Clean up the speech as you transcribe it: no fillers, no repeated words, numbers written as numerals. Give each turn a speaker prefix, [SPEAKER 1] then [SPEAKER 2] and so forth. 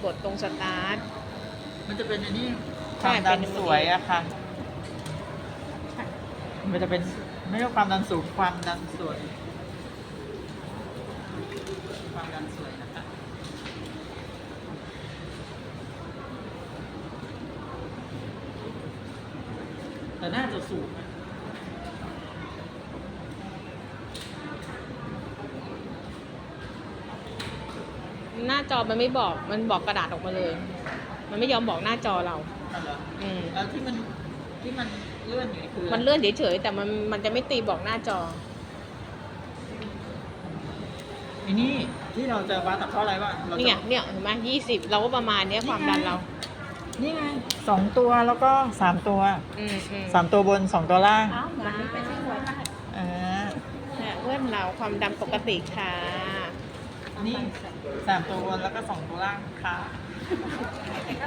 [SPEAKER 1] กดตรงสตาร์ท
[SPEAKER 2] มันจะเป็นอันนี้ค
[SPEAKER 1] ใช่
[SPEAKER 2] วามดัน
[SPEAKER 1] เป็น
[SPEAKER 2] สวยอะค่ะ มันจะเป็นไม่ใช่ความดันสูงความดันสวย ความดันสวยนะคะแต่น่าจะสูงนะ
[SPEAKER 1] หน้าจอมันไม่บอกมันบอกกระดาษออกมาเลย มันไม่ยอมบอกหน้าจอเรา
[SPEAKER 2] อ๋อเหรอ
[SPEAKER 1] อืม
[SPEAKER 2] แล้วที่มันเลื่อนอยู่นี่คือ
[SPEAKER 1] มันเลื่อนเฉยๆแต่มันจะไม่ตีบอกหน้าจอ
[SPEAKER 2] ไอ้นี่ที่เราจะวัดจากเท่าไหร่วะเราจะ
[SPEAKER 1] เนี่ยเห็นไหม20เราก็ประมาณเนี้ยความดันเรา
[SPEAKER 2] นี่ไง2 ตัวแล้วก็3 ตัว 3 ตัวบน2 ตัวล่าง
[SPEAKER 1] วันนี้เป็นที่หัว
[SPEAKER 2] อ่า
[SPEAKER 1] เนี่ยเพื่อนเราความดันปกติค่ะ
[SPEAKER 2] นี่3 ตัวบนแล้วก็2 ตัวล่างค่ะ